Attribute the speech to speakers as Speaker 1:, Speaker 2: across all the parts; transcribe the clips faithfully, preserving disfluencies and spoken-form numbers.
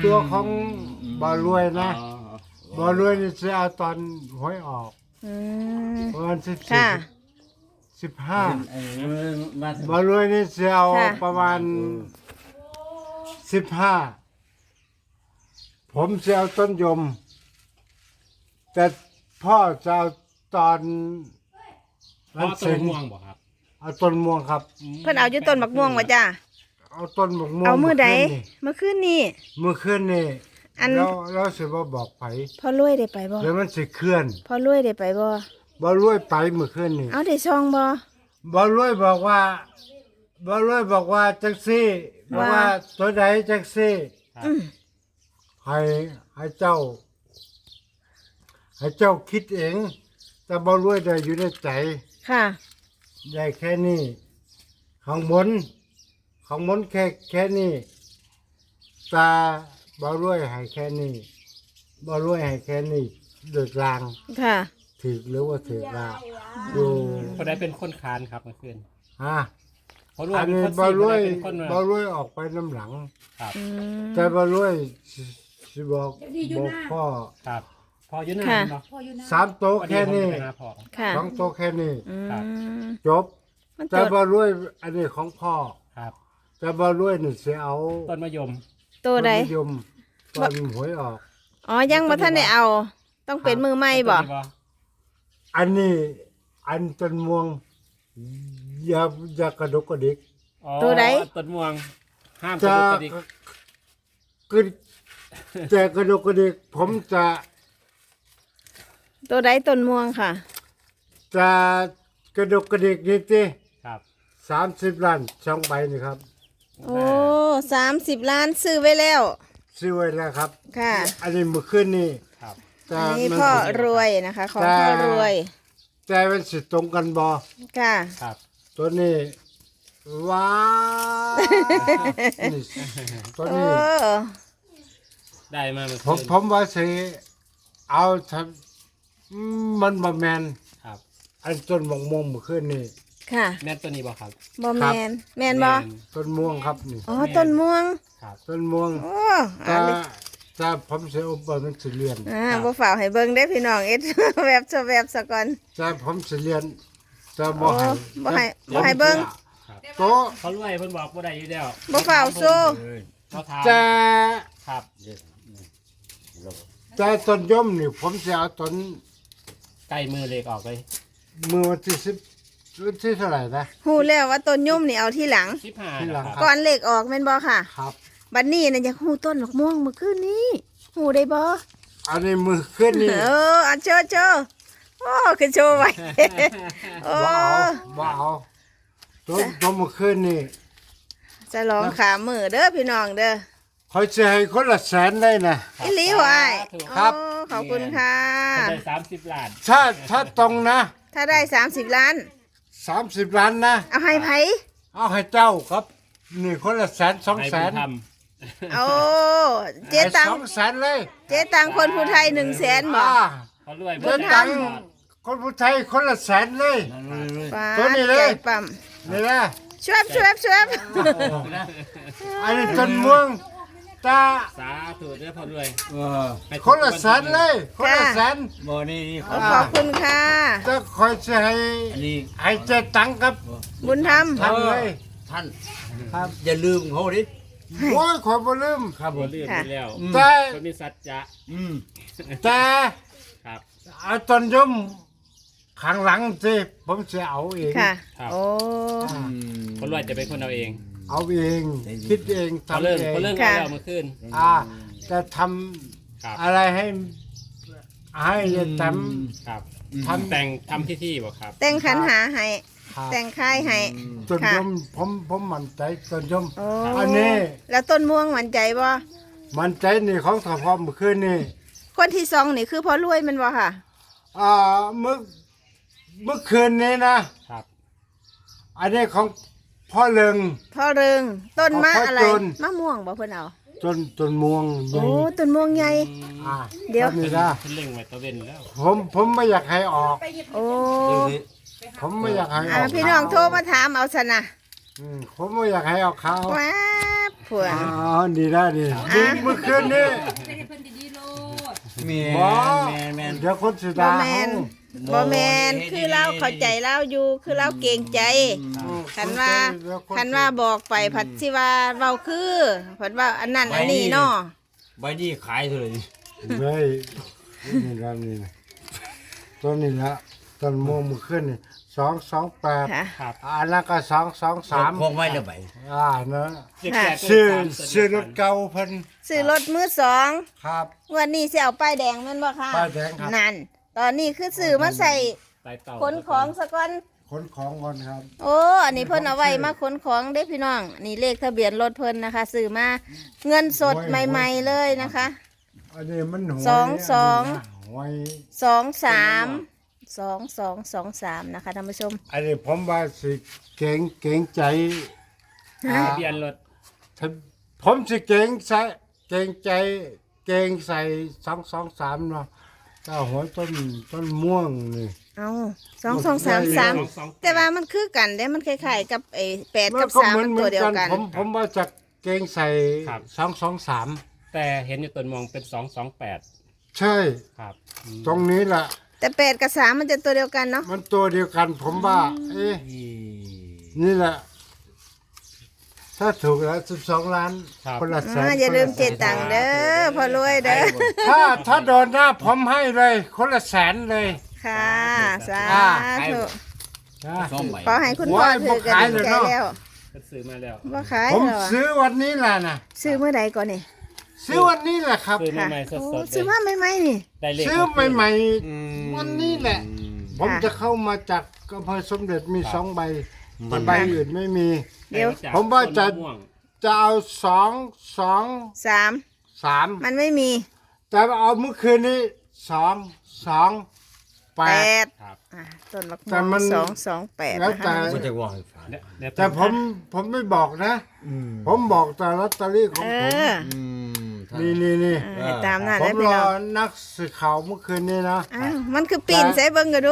Speaker 1: ตัวของบ่รวยนะบ่รวยนี่จะเอาตอนหวยออก
Speaker 2: อืม
Speaker 1: ประมาณสิบ
Speaker 2: ค่ะ
Speaker 1: สิบห้า
Speaker 3: มา
Speaker 1: บ่รวยนี่จะเอา
Speaker 2: ค่ะ
Speaker 1: ประมาณสิบห้าผมจะเอาต้นยม แต่พ่อจะเอาตอน
Speaker 4: พ่อต้นม่วงบ่ครับ
Speaker 1: เอาต้นม่วงครับ
Speaker 2: เพิ่นเอาอยู่ต้นบักม่วงว่าจ้า
Speaker 1: เอาต้นมะม่วง
Speaker 2: เอามือใด
Speaker 1: ขึ้นนี่
Speaker 2: เมื่อคืนนี้
Speaker 1: มือขึ้นนี่
Speaker 2: อัน
Speaker 1: แล้วแล้วสิบ่บอกไผ
Speaker 2: พ่อรวยได้ไปบ่
Speaker 1: แล้วมันสิเคลื่อน
Speaker 2: พ่อรวยได้ไปบ่
Speaker 1: บ่รวยไปมือขึ้นนี่
Speaker 2: เอาได้ซองบ่
Speaker 1: บ่รวยบอกว่าบ่รวยบอกว่าจังซี่บอกว่า
Speaker 2: ว่า
Speaker 1: ตัวใดจังซี่
Speaker 2: อืม
Speaker 1: ให้ให้เจ้า ให้เจ้าคิดเอง แต่บ่รวยได้อยู่ในใจ
Speaker 2: ค่ะ
Speaker 1: ได้แค่นี้ข้างบนข้างบนแค่แค่นี้ตาบ่รวยให้แค่นี้บ่รวยให้แค่นี้โดยกลาง
Speaker 2: ค่ะ
Speaker 1: ถือหรือว่าถือว่าอยู่
Speaker 4: คนใดเป็นคนคานครับเมื่อคืน
Speaker 1: ฮะ
Speaker 4: เพราะรวย
Speaker 1: อัน
Speaker 4: เป็น
Speaker 1: นี้
Speaker 4: คน
Speaker 1: บ่
Speaker 4: ซี
Speaker 1: รวย
Speaker 4: เป็นคน
Speaker 1: บ่รวยออกไปน้ำหลัง
Speaker 4: ครับ
Speaker 2: อืม
Speaker 1: แต่บ่รวยสิสิบอกบอกพ่อ
Speaker 4: ครับพออยืนหน้า
Speaker 2: ค่ะ
Speaker 4: เนาะ
Speaker 1: สามโต๊ะ
Speaker 4: วัน
Speaker 1: แค่
Speaker 4: นี้ผม
Speaker 1: นี้
Speaker 4: จะไปหาพ่อ
Speaker 2: ค่ะ
Speaker 1: สองโต๊ะแค่นี้
Speaker 2: อื
Speaker 4: ครับ
Speaker 2: ม
Speaker 1: จบ
Speaker 2: มัน
Speaker 1: แต่
Speaker 2: ต้น
Speaker 1: บ่รวยอันนี้ของพ่อ
Speaker 4: ครับ
Speaker 1: แต่บ่รวยนี่สิเอา
Speaker 4: ต้นมะยม
Speaker 2: ตัวใด
Speaker 1: ต้นมะยมตอนหวยออก
Speaker 2: อ๋อยังบ่ทันได้เอา ต้องเป็นมือใหม่บ่
Speaker 4: ต้นนี้
Speaker 1: อันนี้อันต้นม่วงอย่าอย่ากระดกกระดิก
Speaker 4: อ๋อ
Speaker 2: ตัวใด
Speaker 4: ต้นม่วง ห้ามกระ
Speaker 1: จะ
Speaker 4: ดุกกระดิก
Speaker 1: กึจะกระดกกระดิกผมจะ
Speaker 2: ตัวใดต้นม่วงค่ะ
Speaker 1: จะกระดกกระดิกนี่ติ
Speaker 4: ครับ
Speaker 1: สามสิบล้านสองใบนี่ครับ
Speaker 2: โอ้สามสิบล้านซื้อไว้แล้ว
Speaker 1: ซื้อไว้แล้วครับ
Speaker 2: ค่ะ
Speaker 1: อันนี้เมื่อคืนนี่
Speaker 4: ครับ
Speaker 1: แต่
Speaker 2: อันนี้
Speaker 1: มัน
Speaker 2: พ่อรวยนะคะ ของพ่อรวย
Speaker 1: แต่มันสิตรงกันบ่
Speaker 2: ค่ะ
Speaker 4: ครับ
Speaker 1: ตัวนี้ว้าวนี่ตัว
Speaker 2: โอ้
Speaker 1: นี้
Speaker 4: ได้มาเมื่อ
Speaker 1: ผม
Speaker 4: คืน
Speaker 1: ผมว่าสิเอาทำอืมมันบ่แมน
Speaker 4: ครับ
Speaker 1: อันต้นมะม่วงเมื่อคืนนี่
Speaker 2: ค่ะ
Speaker 4: แม่นตัวนี้บ่ครับ
Speaker 2: บ่แมนแมนบ่
Speaker 1: ต้นม่วงครับนี่
Speaker 2: อ๋อ ต้นม่วง
Speaker 4: ครับ
Speaker 1: ต้นม่วง
Speaker 2: โอ้
Speaker 1: ถ้า
Speaker 2: อันนี้
Speaker 1: ถ้าผมสิอุปมันสิเรียน
Speaker 2: อ่าบ่ฝ่าวให้เบิ่งได้อพี่น้องเอ็ด แวบซะแวบซะก่อน
Speaker 1: ถ้าผมสิเรียนจะบ่
Speaker 2: โอ้
Speaker 1: ให้
Speaker 2: บ่ให้บ่ให้เบิ่ง
Speaker 1: โต๊ะ
Speaker 4: เขารวยเพิ่นบอกบ่ได้อยู่แล้ว
Speaker 2: บ่ฝ่าวสู้
Speaker 4: เขาถาม
Speaker 1: แต่
Speaker 4: ครับ
Speaker 1: แต่ต้นยมนี่ผมสิเอาต้น
Speaker 4: ใกล้มือเลขออกเลย
Speaker 1: มือวันที่สิบวันที่เท่าไหร่นะ
Speaker 2: ฮู้แล้วว่าต้นยุ่มนี่เอาที่หลัง
Speaker 4: สิบห้า
Speaker 1: ที่หลัง
Speaker 4: นะครับ
Speaker 2: ก่อนเลขออกแม่นบ่ค่ะ
Speaker 1: ครับ
Speaker 2: บัดนี้น่ะอยากฮู้ต้นดอกม่วงเมื่อคืนนี้ฮู้ได้บ่
Speaker 1: อันนี้มือขึ้นนี่
Speaker 2: เอออันโชว์โชว์โอ้คือโชว์ไว้ โอ้
Speaker 1: บ่เอาบ่เอาต้นต้นมือขึ้นนี่
Speaker 2: จะลองขามือเด้อพี่น้องเด้อ
Speaker 1: คอยจะให้คนละแสนได้นะ
Speaker 2: อีหลีไว้
Speaker 1: ครับ
Speaker 2: โอ้ขอบคุณค่ะ
Speaker 4: เขาได้สามสิบล้าน
Speaker 1: ถ้าถ้าตรงนะ
Speaker 2: ถ้าได้สามสิบล้าน
Speaker 1: สามสิบล้านนะ
Speaker 2: เอาให้ไผ
Speaker 1: เอาให้เจ้าครับ นี่คนละแสนสอง
Speaker 4: ให้
Speaker 1: แส
Speaker 4: บุ
Speaker 1: น
Speaker 4: ญธรรม
Speaker 2: โอ้เจ๊ตัง
Speaker 1: สองแสนเลย
Speaker 2: เจ๊ตังคนผู้ไทยหนึ่งแสนบ่
Speaker 1: อ่า
Speaker 4: เขารวย
Speaker 1: เดินตังค์คนผู้ไทยคนละแสนเลย
Speaker 2: ป้า
Speaker 1: ตัวนี้เลย
Speaker 2: ใจปั๊ม
Speaker 1: นี่นะ
Speaker 2: ช่วยช่วยช่วย
Speaker 1: อันนี้ต้นม่วงตา
Speaker 4: สาธุเด้อพ่อรวย
Speaker 3: เออ
Speaker 4: ให้ถูก
Speaker 1: คนละแสนเลย คนละแสน
Speaker 3: บ่นี่นี่
Speaker 2: ขอบคุณค่ะ
Speaker 1: จะคอยจะให้
Speaker 3: อันนี้
Speaker 1: ให้เจตังค์ครับ
Speaker 2: บุญธรรม
Speaker 1: ทำเลย
Speaker 3: ท่าน
Speaker 1: ครับ
Speaker 3: อย่าลืมเขาดิ
Speaker 1: โอ้ยขอยบ่ลืม
Speaker 3: ครับผ
Speaker 4: บ่
Speaker 3: ม
Speaker 4: ลืมไปแล้ว
Speaker 1: แต่
Speaker 4: คนมีสัจจะ
Speaker 3: อืม
Speaker 1: แต่
Speaker 4: ครับ
Speaker 1: เอาต้นยมข้างหลังสิผมจะเอาเอง
Speaker 2: ค่ะ
Speaker 4: ครับ
Speaker 2: โอ้
Speaker 3: อืม
Speaker 4: พ่อรวยจะเป็นคนเอาเอง
Speaker 1: เอาเอง คิดเอง
Speaker 4: เขา
Speaker 1: ทำ
Speaker 4: เริ่ม
Speaker 1: เอง
Speaker 4: เขาเริ่มเอาแล้วเมื่อคืน
Speaker 1: อ่าจะท
Speaker 4: ครับ
Speaker 1: ำอะไรให้ ให้ท
Speaker 4: ครับ
Speaker 1: ำทำ
Speaker 4: แต่งทำพิธีบ่ครับ
Speaker 2: แต่งขันหาให้
Speaker 1: ครับ
Speaker 2: แต่งค่ายให้
Speaker 1: ต้น
Speaker 2: ค่ะ
Speaker 1: ยมผมผมมั่นใจต้นยม
Speaker 2: โอ้
Speaker 1: อันนี้
Speaker 2: แล้วต้นม่วงหวันใจบ่
Speaker 1: มั่นใจนี่ของสพเมื่อคืนนี่
Speaker 2: คนที่สองนี่คือพ่อรวยแมันบ่ค่ะ
Speaker 1: อ่าเมื่อเมื่อคืนนี้นะ
Speaker 4: ครับ
Speaker 1: อันนี้ของพ่อเลิง
Speaker 2: พ่อเริงต้นมะ
Speaker 1: เอาพ่อ
Speaker 2: อะไร
Speaker 1: โจร
Speaker 2: มะม่วงบ่เพิ่นเอา
Speaker 1: ต้นต้นม่วงใหญ่
Speaker 2: โอ้ต้นม่วงใหญ่
Speaker 1: อ่า
Speaker 2: เดี๋ยว
Speaker 1: ต้นนี่นะ
Speaker 4: เพิ่นเล็งไว้ตะเวนแล้ว
Speaker 1: ผมผมไม่อยากให้ออก
Speaker 2: โอ้
Speaker 1: ผมไม่อยากให้อ
Speaker 2: อ่า
Speaker 1: อก
Speaker 2: พี่น้องโทรมาถามเอาซะนะ
Speaker 1: อืมผมไม่อยากให้เอาเขา
Speaker 2: ว้าผัว
Speaker 1: อ๋อดีได้ดีดีเมื่อคืนนี้
Speaker 5: ไม่ให้เพิ่นดีๆโลด
Speaker 3: แม่
Speaker 1: บ่
Speaker 3: แม่แม่
Speaker 1: เดี๋ยวคนสุ
Speaker 2: บ่
Speaker 1: ดา
Speaker 2: แมนบ่แมนคือเราเข้าใจเราอยู่คือเราเกรงใจคันว่าคันว่าบอกไปผัดสิว่าเว้าคือผัดว่าอันนั้นอันนี้เนาะ
Speaker 3: ใบนี้ขายเท่าไหร่
Speaker 1: เฮ้ยนี่ละนี่นะตัวนี้ละต้นม่วงเมื่อคืนนี่สองสองแปด
Speaker 2: ค่ะ
Speaker 4: ครับ
Speaker 1: อันนั้นก็สองสองสาม
Speaker 3: คงไว้แล้วใบ
Speaker 1: อ่านะ
Speaker 4: เจ็ดแปด
Speaker 1: ซื้อ
Speaker 4: สามตัว
Speaker 1: ซื้อร
Speaker 4: เดียว
Speaker 1: ถ
Speaker 4: กัน
Speaker 1: เก่าเพิ่น
Speaker 2: ซื้อรถมือสอง
Speaker 1: ครับ
Speaker 2: งวันนี้สิเอาป้ายแดงแม่นบ่ค่ะ
Speaker 1: ป้ายแดงครับ
Speaker 2: นั่นตอนนี้คือซื้อมาใส่
Speaker 4: ไต่เต่า
Speaker 2: ขนของซะก่อน
Speaker 1: ขนของก่อนครับ
Speaker 2: โอ้ อันนี้เพิ่นเอาไว้มาขนของเด้พี่น้อง นี่เลขทะเบียนรถเพิ่นนะคะซื้อมาเงินสดใหม่ๆเลยนะคะ
Speaker 1: อันนี้มันหวย
Speaker 2: สองสอง
Speaker 1: นนี้นะหวย
Speaker 2: สองสามสองสองสองสามนะคะท่านผู้ชม
Speaker 1: อันนี้ผมว่าสิเก่งเก่งใจ
Speaker 2: ฮะ
Speaker 4: ทะเบียนรถ
Speaker 1: ถ้าผมสิเก่งใส่เก่งใจเก่งใส่สองสองสามเนาะเจ้าหัวต้นต้นม่วงนี่
Speaker 2: เอาสองสองสามสาม
Speaker 4: สองสอง
Speaker 2: แต่ว่ามันคือกันเด้มันคล้ายๆกับไอ้แปดกับ
Speaker 1: ก็
Speaker 2: สาม
Speaker 1: เหมื
Speaker 2: มัน
Speaker 1: เหมื
Speaker 2: ตัวเดียวกัน
Speaker 1: ผมผมว่าจะเก่งใส่สองสองสาม
Speaker 4: แต่เห็นอยู่ต้นมองเป็นสองสองแปด
Speaker 1: ใช่
Speaker 4: ครับอืม
Speaker 1: ตรงนี้แหละ
Speaker 2: แต่แปดกับสามมันจะตัวเดียวกันเนาะ
Speaker 1: มันตัวเดียวกัน ผมว่า เอ๊ะนี่แหละ ถ้าถูกแล้วสิบสองล้านคนละแสน
Speaker 2: อ่าอย่าลืมเจ็ด
Speaker 1: คนละแสน
Speaker 2: ตังค์เด้อพอรวยเด้อ
Speaker 1: ถ้าถ้าโดนหน้าผมให้เลย คนละแสนเลย
Speaker 2: ค่ะสาธุ
Speaker 1: นะ
Speaker 3: สองใบ
Speaker 2: ขอให้คุณพ่อถือกันดีใจแล้ว
Speaker 4: ก็ซื้อมาแล้ว
Speaker 2: ว่าขาย
Speaker 1: ผม
Speaker 2: เหรอ
Speaker 1: ซื้อวันนี้แหละนะ
Speaker 2: ซื้อเมื่อใดก่อนนี่
Speaker 1: ซื้อวันนี้แหละครับ
Speaker 4: ซื้อ
Speaker 2: ค่ะ
Speaker 4: ใหม่ๆส
Speaker 2: โอ้
Speaker 4: ดๆ
Speaker 2: ซื้อ
Speaker 4: เลย
Speaker 2: มาใหม่ๆนี่
Speaker 4: ได้เลข
Speaker 1: ซื้อใหม่
Speaker 3: อืม
Speaker 1: ๆวันนี้แหละ ผม
Speaker 2: ค่ะ
Speaker 1: จะเข้ามาจากอำเภอสมเด็จมีสองใบแต่ใบอื่นไม่มี
Speaker 2: เดี๋ยว
Speaker 4: ได้จก
Speaker 1: ผมว่าจะ
Speaker 4: ต้นมม่วง
Speaker 1: จะเอาสองสอง
Speaker 2: สาม
Speaker 1: สาม
Speaker 2: มันไม่มี
Speaker 1: แต่เอาเมื่อคืนนี้สองสองแป
Speaker 2: แป
Speaker 1: ด
Speaker 2: ด
Speaker 4: ครับ
Speaker 2: อ่ะต้นมะ
Speaker 1: แต่
Speaker 2: ม่ว
Speaker 1: มั
Speaker 2: ง
Speaker 1: น
Speaker 2: สองสองแปด
Speaker 1: แล้ว
Speaker 2: นะ
Speaker 1: แต่
Speaker 2: คะ
Speaker 3: มันจะว่าให้ฟัง
Speaker 4: เดี๋ยวเดี๋ยว
Speaker 1: แต่ผมผมไม่บอกนะ ผมบอกแต่ลอตเตอรี่ของ
Speaker 2: เอ
Speaker 1: ผม
Speaker 2: อ
Speaker 3: อืมถ้า
Speaker 1: นี่นี่นี่
Speaker 2: เออตามนั้น
Speaker 1: ผ
Speaker 2: ได้
Speaker 1: ม
Speaker 2: ไป
Speaker 1: รอ
Speaker 2: เนาะ
Speaker 1: นักสื่อข่าวเมื่อคืนนี้นะ
Speaker 2: อ้าวมันคือปีนใส่เบิ่งกันดู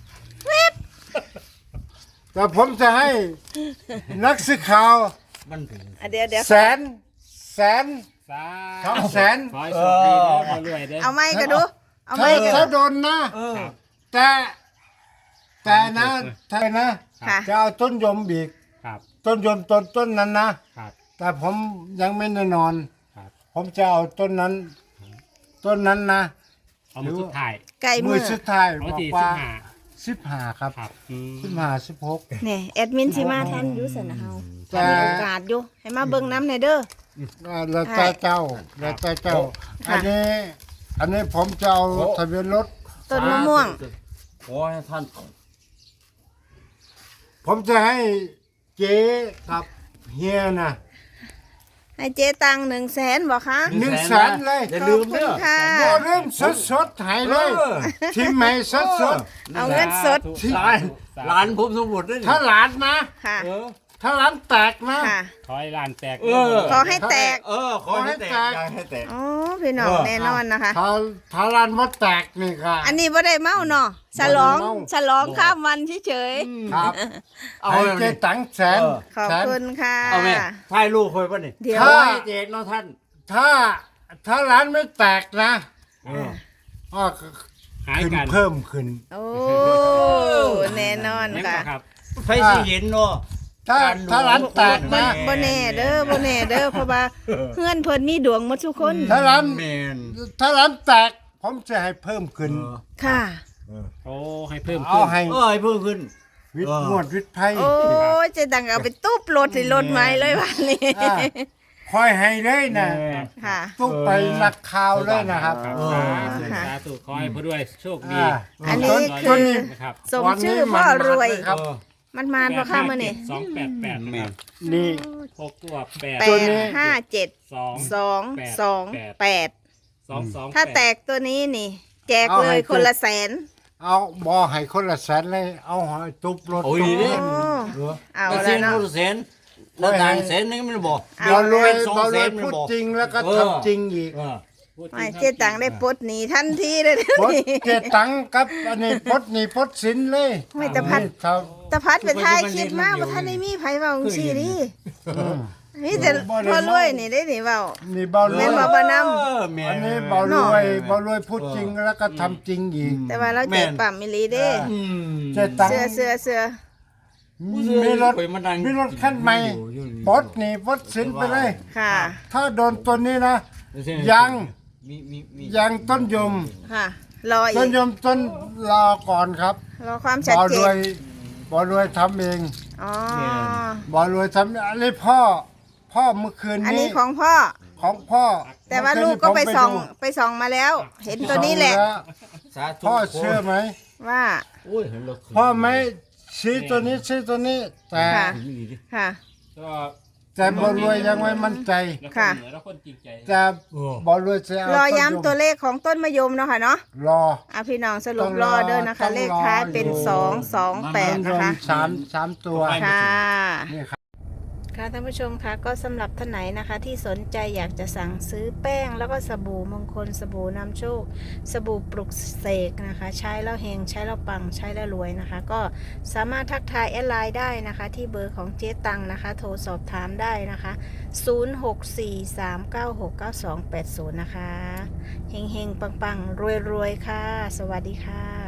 Speaker 1: แต่ผมจะให้นักสื่อข่าว
Speaker 3: มันถึง
Speaker 2: อ่ะเดี๋ยวเดี๋ยว
Speaker 1: แสนแสน
Speaker 4: สา
Speaker 1: สองแสน
Speaker 4: ขอให้โชคดีเด้อขอรวยเด้อ
Speaker 2: เอาไม้กันดู เอาไม้
Speaker 1: ถ้า
Speaker 2: กัน
Speaker 1: ถ้า
Speaker 2: ดู
Speaker 1: โดนนะ
Speaker 3: เออ
Speaker 4: ครับ
Speaker 1: แต่แต่นะถ้านะ
Speaker 2: ค่ะ
Speaker 1: จะเอาต้นยมบีก
Speaker 4: ครับ
Speaker 1: ต้นยมต้นต้นนั้นนะ
Speaker 4: ครับ
Speaker 1: แต่ผมยังไม่แน่นอน
Speaker 4: ครับ
Speaker 1: ผมจะเอาต้นนั้น ต้นนั้นนะ
Speaker 4: เอามาสุดท้าย
Speaker 2: ไก่
Speaker 1: มื
Speaker 2: มื
Speaker 1: อ
Speaker 2: อ
Speaker 1: สุดท้าย
Speaker 4: เอา
Speaker 1: บอก
Speaker 4: ที่
Speaker 1: ว่า
Speaker 4: สิบห้า
Speaker 1: สิบห้าครับ
Speaker 4: ครับอืม
Speaker 1: สิบห้าสิบหก
Speaker 2: เนี่ยแอดมินสิมาทันอยู่สนะเฮา
Speaker 1: แต่
Speaker 2: ถ้ามีโอกาสอยู่ให้มาเบิ่งน้ำหน่อยเด้อ
Speaker 1: แล้วแต่เจ้าแล้วแต่เจ้า
Speaker 2: ค่ะ
Speaker 1: อันนี้ อันนี้ผมจะเอาทะเบียนรถ
Speaker 2: ต้นมะม่วง
Speaker 3: ขอให้ท่าน
Speaker 1: ผมจะให้เจ๊กับเฮียนะ
Speaker 2: ให้เจ๊ตังหนึ่งแสนบอกคะ
Speaker 1: หนึ่งแสนเลย
Speaker 3: อย่าลืมเด้อ
Speaker 2: ขอบคุณค่ะ
Speaker 1: โอ้เริ่มสดสดๆใหายเลย
Speaker 3: เออ
Speaker 1: ทีมใหม่สดสด
Speaker 2: เอาเงินสด
Speaker 4: สาธุสาธุ
Speaker 3: หลานผมสมบูรณ์ด้วย
Speaker 1: ๆถ้าหลานนะ
Speaker 2: ค่ะ
Speaker 3: เออ
Speaker 1: ถ้าหลานแตกนะ
Speaker 2: ค่ะ
Speaker 4: ขอให้ลานแตก
Speaker 3: เออ
Speaker 2: ขอให้แตก
Speaker 3: เออขอให้แตกอย่าให้แตก
Speaker 2: อ๋อพี่น้อง
Speaker 3: เออ
Speaker 2: แน่นอนนะคะ
Speaker 1: ถ้าถ้าหลานมาแตกนี่ค่ะ
Speaker 2: อันนี้บ่ได้เมาเนาะฉลอง
Speaker 1: บ่ได้เมา
Speaker 2: ฉลองข้ามวันเฉย
Speaker 1: ครับ
Speaker 3: เอา
Speaker 1: ให้
Speaker 3: เลย
Speaker 1: เจ๊ตังแสน
Speaker 3: เออ
Speaker 2: ๆขอบ
Speaker 1: แสน
Speaker 2: คุณค่ะ
Speaker 3: เอาแม่ถ่ายรูปคอยป่ะนี่
Speaker 2: เดี๋ยว
Speaker 3: ขอให้แตกเนาะท่าน
Speaker 1: ถ้าถ้าร้านไม่แตกนะ
Speaker 3: เออ
Speaker 1: ก็
Speaker 4: หาย
Speaker 1: ขึ้น
Speaker 4: กัน
Speaker 1: เพิ่มขึ้น
Speaker 2: โอ้แน่นอน
Speaker 4: ยัง
Speaker 2: ค่ะ
Speaker 4: บ่ครับ
Speaker 3: ไฟสิเห็นเนาะ
Speaker 1: ถ้า
Speaker 3: การรู้
Speaker 1: ถ้าร้านแตก
Speaker 2: บ่
Speaker 1: นะ
Speaker 2: บ่แน่เด้อบ่แน่เด้อเพราะว่าเพื่อนเพิ่นมีดวงหมดทุกคน
Speaker 1: ถ้าร้าน
Speaker 3: แมน
Speaker 1: ถ้าร้านแตก ผมจะให้เพิ่มขึ้น
Speaker 3: เออ
Speaker 2: ค่ะ
Speaker 4: โอ้ให้เพิ่ม
Speaker 1: เอา
Speaker 4: ขึ้น
Speaker 1: ให้
Speaker 3: เออให้เพิ่มขึ้น
Speaker 1: วิท
Speaker 3: เอ
Speaker 1: ย์
Speaker 3: อ
Speaker 1: งวดวิทย์ไพ่
Speaker 2: โอ้ยเจะดังเอาไปตุ๊บรถสิรถใหม่เลยวันนี้
Speaker 1: อ่า คอยให้เลยนะ
Speaker 4: เออ
Speaker 2: ค่ะ
Speaker 1: ตุ๊กไปนักข่าวเลยนะครับ
Speaker 4: ครับ
Speaker 3: เออ
Speaker 4: สาธุสาธุขอให้ผู้ด้วยโชคดี
Speaker 1: อ่า
Speaker 2: อันนี้
Speaker 1: ต้
Speaker 2: คือ
Speaker 1: นี้
Speaker 4: นะครับ
Speaker 2: สมชื่อพ่อรวย
Speaker 1: ครับ
Speaker 3: เออ
Speaker 2: มันมานบ่ค่ะมื้อนี้
Speaker 4: สองแปดแปด
Speaker 3: แม
Speaker 4: นะครับ
Speaker 3: น
Speaker 1: นี่
Speaker 4: หกตัวแปด
Speaker 2: แป
Speaker 1: ตัว
Speaker 2: ด
Speaker 1: นี้
Speaker 2: ห้าเจ็ด
Speaker 4: สอง
Speaker 2: สองสองแปด
Speaker 4: สองสอง
Speaker 2: ถ้า
Speaker 4: ปด
Speaker 2: แตกตัวนี้นี่ แจก
Speaker 1: เอา
Speaker 2: เล
Speaker 1: ให้
Speaker 2: ยคนละแสน
Speaker 1: เอาบอให้คนละแสนเลย เอาหอยตุ๊บรถ
Speaker 3: โอ้ย
Speaker 1: ตุ๊บ
Speaker 3: นี่
Speaker 1: เงิน
Speaker 2: โอ้
Speaker 1: เออ
Speaker 2: เอา
Speaker 3: แล้ว
Speaker 2: แล้
Speaker 3: เส้
Speaker 2: วน เนาะ
Speaker 3: รู้เส้นแล้วต่างเส้นนึงมันบอก
Speaker 2: เอา
Speaker 1: บอรวย
Speaker 3: สอง
Speaker 1: บอร
Speaker 3: เส้
Speaker 1: วย
Speaker 3: นมัน
Speaker 1: พูด
Speaker 3: บอก
Speaker 1: จริงแล้วก็
Speaker 3: เออ
Speaker 1: ทำจริงอีก
Speaker 3: เออ
Speaker 4: พูดจริ
Speaker 2: ไม่
Speaker 4: ครับ
Speaker 2: เจ๊ตังได้ปลดหนีทันทีเลย
Speaker 1: พดเจตังกับอันนี้พดนี่พดสินเลย
Speaker 2: ไม่ตะพัด
Speaker 1: นี่ครับ
Speaker 2: ตะพัดไปถ่ายคลิปมาบ่ทันได้มีไผเว้าจังซี่ดิมีแต่พ่อรวยนี่ได้นี่เว้า
Speaker 1: นี่เบาเล
Speaker 2: แม่
Speaker 1: ย
Speaker 2: นบ่บ่นำ
Speaker 3: เออแม่
Speaker 1: อันนี้เบารวยเบารวยพูดจริงแล้วก็ทำจริงอีก
Speaker 2: แต่ว่าเราใจปั๊มอีหลีเด้
Speaker 3: อืม
Speaker 1: เจตัง
Speaker 2: เสื้อเสื้อเสื้อ
Speaker 1: มีรถ
Speaker 3: ไปมานั่ง
Speaker 1: มีรถคันใหม่พดนี่พดสินไปเลย
Speaker 2: ค่ะ
Speaker 1: ถ้าโดนตัวนี้นะ ยัง
Speaker 3: มีมีมี
Speaker 1: ยังต้นยม
Speaker 2: ค่ะ รออี
Speaker 1: ต้น
Speaker 2: ก
Speaker 1: ยมต้นรอก่อนครับ
Speaker 2: รอความชัด
Speaker 1: บอ
Speaker 2: เจ
Speaker 1: รวน ยบอรวยทำเอง
Speaker 2: อ๋อ
Speaker 1: บอรวยทำอันนี้พ่อ พ่อเมื่อคืน
Speaker 2: อัน
Speaker 1: นี้
Speaker 2: นี้ของพ่อ
Speaker 1: ของพ่อ
Speaker 2: แต่ว่าลูกก็ไปส่องไปส่องมาแล้ว เห็นตัวนี้แหละ
Speaker 3: สาธุ
Speaker 1: พ่อเชื่อไหม
Speaker 2: ว่า
Speaker 3: โอ้ยเห็นรถ
Speaker 1: พ่อไม่ชี้ตัวนี้ชี้ตัวนี้ แต่
Speaker 2: ค่ะ ค่ะ
Speaker 4: ก็
Speaker 1: แต่บอรวยยังไม่มั่นใจ
Speaker 4: แล้วค
Speaker 2: ค่ะ
Speaker 4: นเหนือแล้วคนจริงใจ
Speaker 1: แต่บอรวยจะเอา
Speaker 2: รอ
Speaker 1: ต้นยม
Speaker 2: ย้ำตัวเลขของต้นมะยมเนาะค่ะเนาะ
Speaker 1: รอ
Speaker 2: อ่ะพี่น้องสรุ
Speaker 1: ต้
Speaker 2: ป
Speaker 1: อง
Speaker 2: ร
Speaker 1: ร
Speaker 2: อ
Speaker 1: อ
Speaker 2: เด้อนะคะ
Speaker 1: ต้องรอ
Speaker 2: เลขท้ายเป็น
Speaker 1: อยู่
Speaker 2: สองสองแปด
Speaker 1: ต้นย
Speaker 2: นะ
Speaker 1: ม
Speaker 2: คะ
Speaker 1: สามสามตัว
Speaker 2: ค่ะ
Speaker 1: นี่ครับ
Speaker 2: ค่ะท่านผู้ชมคะก็สำหรับท่านไหนนะคะ ที่สนใจอยากจะสั่งซื้อแป้งแล้วก็สบู่มงคลสบู่นำโชค สบู่ปลุกเสกนะคะ ใช้แล้วเฮงใช้แล้วปังใช้แล้วรวยนะคะ ก็สามารถทักทายแอดไลน์ได้นะคะ ที่เบอร์ของเจ๊ตังนะคะ โทรสอบถามได้นะคะ ศูนย์ หก สี่ สาม เก้า หก เก้า สอง แปด ศูนย์ นะคะเฮงเฮงปังปังรวยรวยๆค่ะ สวัสดีค่ะ